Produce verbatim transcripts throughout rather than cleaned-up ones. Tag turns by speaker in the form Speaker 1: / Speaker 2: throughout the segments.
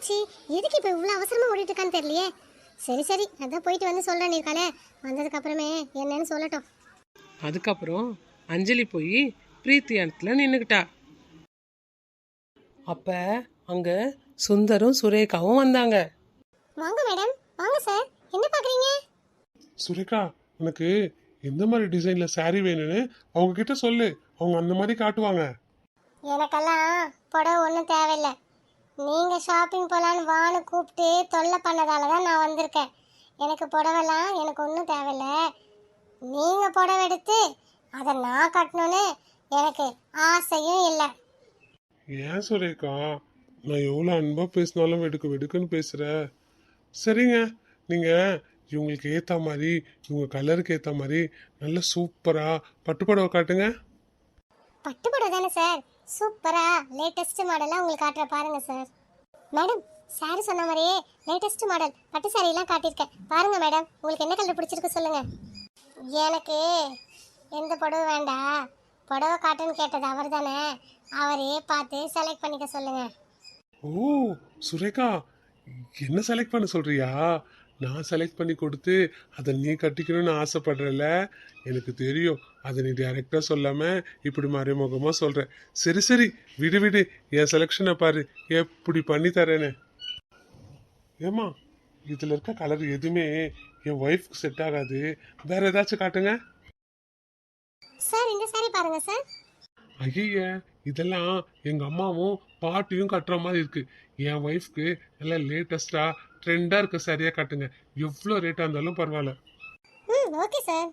Speaker 1: ஆச்சு? எதுக்கு இப்போ இவ்வளோ அவசரமாக ஓடிட்டு இருக்கான்னு தெரியலையே. சரி சரி அதான் போயிட்டு வந்து சொல்கிறேன் இருக்காளே, வந்ததுக்கு அப்புறமே என்னன்னு சொல்லட்டும்.
Speaker 2: அதுக்கப்புறம் அஞ்சலி போய் பிரீத்தி இடத்துல நின்றுக்கிட்டா. அப்ப அங்க சுந்தரும் சுரேகாவும் வந்தாங்க.
Speaker 1: வாங்க மேடம், வாங்க சார், என்ன பார்க்குறீங்க?
Speaker 3: சுரேகா, உனக்கு எந்த மாதிரி டிசைன்ல saree வேணும்னு அவங்க கிட்ட சொல்லு, அவங்க அந்த மாதிரி காட்டுவாங்க.
Speaker 1: எனக்கெல்லாம் புடவை ஒன்றும் தேவையில்லை. நீங்கள் ஷாப்பிங் போகலான்னு வான்னு கூப்பிட்டு தொல்லை பண்ணதால தான் நான் வந்திருக்கேன். எனக்கு புடவைலாம் எனக்கு ஒன்றும் தேவையில்லை. நீங்கள் புடவை எடுத்து அதை நான் கட்டணுன்னு எனக்கு ஆசையும் இல்லை.
Speaker 3: ஏன் சுரேகா, நான் எவ்வளோ அன்பா பேசினாலும் வெடுக்கு வெடுக்குன்னு பேசுற. சரிங்க, நீங்க இவங்களுக்கு ஏத்த மாதிரி, இவங்க கலருக்கு ஏத்த மாதிரி நல்ல சூப்பரா பட்டுப்புடவை காட்டுங்க.
Speaker 1: பட்டு புடவை தானே சார், சூப்பராக லேட்டஸ்ட் மாடலாக உங்களுக்கு காட்டுற பாருங்க சார். மேடம், சாரி சொன்ன மாதிரியே லேட்டஸ்ட் மாடல் பட்டு சாரியெல்லாம் காட்டியிருக்கேன் பாருங்க மேடம், உங்களுக்கு என்ன கலர் பிடிச்சிருக்கு சொல்லுங்க. எனக்கு எந்த புடவை வேண்டாம், புடவை காட்டுன்னு கேட்டது அவர் தானே, அவரே பார்த்து செலக்ட் பண்ணிக்க சொல்லுங்க.
Speaker 3: ஓ சுரேகா, என்ன செலக்ட் பண்ண சொல்றியா? நான் செலக்ட் பண்ணி கொடுத்து அதை நீ கட்டிக்கணும்னு ஆசைப்படுறல, எனக்கு தெரியும். அதை நீ டைரக்டா சொல்லாம இப்படி மறைமுகமா சொல்ற. சரி சரி விடு விடு, என் செலெக்ஷனை பாரு எப்படி பண்ணி தரேன்னு. ஏமா, இதுல இருக்க கலர் எதுவுமே என் ஒய்ஃப்க்கு செட் ஆகாது, வேற ஏதாச்சும் காட்டுங்க.
Speaker 1: சார் இந்த சாரி பாருங்க சார்.
Speaker 3: ஐய, இதெல்லாம் எங்க அம்மாவும் பாட்டியும் கட்டுற மாதிரி இருக்கு. என் ஒய்ஃப்க்கு எல்லாம் லேட்டஸ்டா ட்ரெண்டா இருக்க சரியா காட்டுங்க, எவ்வளோ ரேட்டா இருந்தாலும் பரவாயில்ல.
Speaker 1: ம் ஓகே சார்.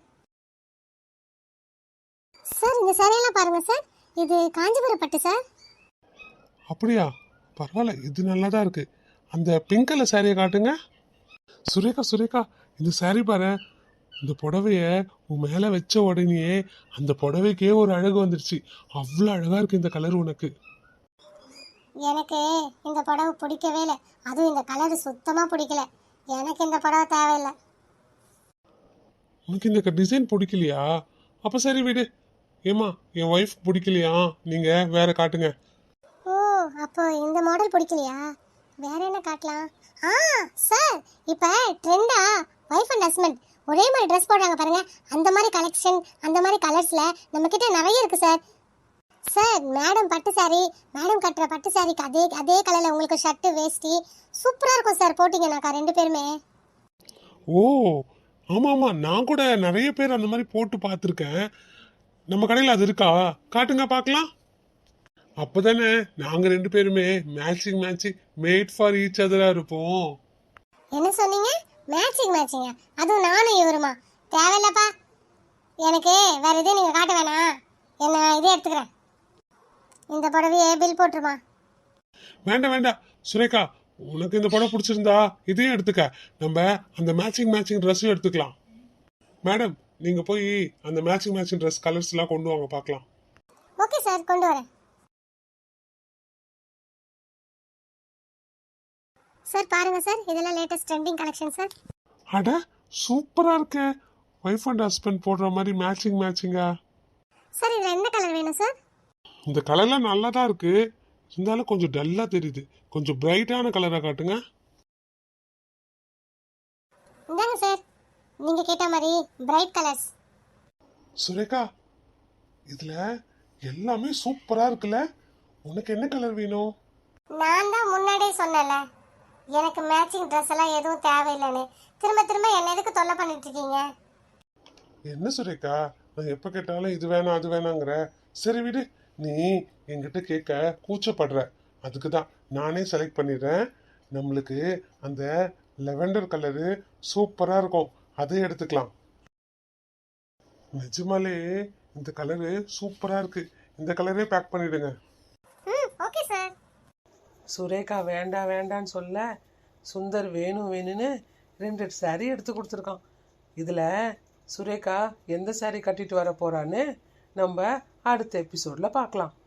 Speaker 1: சார் இந்த சாரியெல்லாம் பாருங்க சார், இது காஞ்சிபுரம் பட்டு சார்.
Speaker 3: அப்படியா, பரவாயில்ல, இது நல்லா தான் இருக்கு. அந்த பிங்க் கலர் சாரியை காட்டுங்க. சுரேகா சுரேகா, இந்த சாரி பாரு, இந்த புடவைய உன் மேல வச்ச உடனே அந்த புடவைக்கே ஒரு அழகு வந்துருச்சு. அவ்வளோ அழகா இருக்கு இந்த கலர் உனக்கு.
Speaker 1: எனக்கு இந்த புடவை பிடிக்கவே இல்லை, அதுவும் இந்த கலர் சுத்தமா பிடிக்கல. எனக்கு இந்த புடவை தேவையில்லை.
Speaker 3: உனக்கு இந்த டிசைன் பிடிக்கலையா? அப்ப சரி விடு. ஏமா, என் ஒய்ஃப் பிடிக்கலையா, நீங்க வேற காட்டுங்க.
Speaker 1: ஓ, அப்போ இந்த மாடல் பிடிக்கலையா? வேற என்ன காட்டலாம்? ஆ சார், இப்போ ட்ரெண்டா ஒய்ஃப் அண்ட் ஹஸ்பண்ட் ஒரே மாதிரி ட்ரெஸ் போடுறாங்க பாருங்க, அந்த மாதிரி கலெக்ஷன், அந்த மாதிரி கலர்ஸ்ல நம்ம கிட்ட நிறைய இருக்கு சார். சார் மேடம் பட்டு சாரி, மேடம் கட்டுற பட்டு சாரிக்கு அதே அதே கலர்ல உங்களுக்கு ஷர்ட்டு வேஷ்டி சூப்பரா இருக்கும் சார், போட்டீங்கன்னாக்கா ரெண்டு பேருமே.
Speaker 3: ஓ ஆமா ஆமா, நான் கூட நிறைய பேர் அந்த மாதிரி போட்டு பார்த்துருக்கேன். நம்ம கடையில் அது இருக்கா? காட்டுங்க பார்க்கலாம். அப்பதானே நாங்க ரெண்டு பேருமே matching matching made for each அதரா இருப்போம்.
Speaker 1: என்ன சொன்னீங்க? மேட்சிங் மேட்சிங்கா? அதுவும் நானும் இவருமா? தேவையில்லப்பா, எனக்கு வேற எதுவும் நீங்க காட்ட வேணாம், என்ன இதே எடுத்துக்கிறேன். இந்த புடவையே பில் போட்டுருமா?
Speaker 3: வேண்டாம் வேண்டாம் சுரேகா, உனக்கு இந்த புடவை பிடிச்சிருந்தா இதையும் எடுத்துக்க, நம்ம அந்த மேட்சிங் மேட்சிங் ட்ரெஸ்ஸும் எடுத்துக்கலாம். மேடம், நீங்க போய் அந்த மேட்சிங் மேட்சிங் ட்ரெஸ் கலர்ஸ் எல்லாம் கொண்டு வாங்க பார்க்கலாம்.
Speaker 1: ஓகே சார், கொண்டு வரேன். சார் பாருங்க சார், இதெல்லாம் லேட்டஸ்ட் ட்ரெண்டிங் கலெக்ஷன் சார்.
Speaker 3: அட சூப்பரா இருக்கு, ஒய்ஃப் அண்ட் ஹஸ்பண்ட் போடுற மாதிரி மேட்சிங் மேட்சிங்கா.
Speaker 1: சார் இதுல என்ன கலர் வேணும் சார்?
Speaker 3: இந்த கலர்லாம் நல்லா தான் இருக்கு, இருந்தாலும் கொஞ்சம் டல்லா தெரியுது. கொஞ்சம் பிரைட்டான கலரா காட்டுங்க.
Speaker 1: இந்தாங்க சார், நீங்க கேட்ட மாதிரி பிரைட் கலர்ஸ்.
Speaker 3: சுரேகா, இதுல எல்லாமே சூப்பரா இருக்குல்ல, உனக்கு என்ன கலர் வேணும்?
Speaker 1: நான் தான் முன்னாடியே சொன்னேன்ல, எனக்கு மேட்சிங் ட்ரெஸ் எல்லாம் எதுவும் தேவையில்லைன்னு. திரும்ப திரும்ப என்ன எதுக்கு தொல்லை பண்ணிட்டு இருக்கீங்க?
Speaker 3: என்ன சுரேகா, நான் எப்ப கேட்டாலும் இது வேணாம் அது வேணாங்கிற. சரி விடு, நீ என்கிட்ட கேட்க கூச்சப்படுற, அதுக்கு தான் நானே செலக்ட் பண்ணிடுறேன். நம்மளுக்கு அந்த லெவெண்டர் கலரு சூப்பரா இருக்கும், அதை எடுத்துக்கலாம். நிஜமாலே இந்த கலரு சூப்பரா இருக்கு, இந்த கலரே பேக் பண்ணிடுங்க.
Speaker 1: ம் ஓகே சார்.
Speaker 2: சுரேகா வேண்டாம் வேண்டான்னு சொல்ல, சுந்தர் வேணும் வேணும்னு ரெண்டு சாரி எடுத்து கொடுத்துருக்கான். இதில் சுரேகா எந்த சாரி கட்டிட்டு வர போறான்னு நம்ம அடுத்த எபிசோடில் பார்க்கலாம்.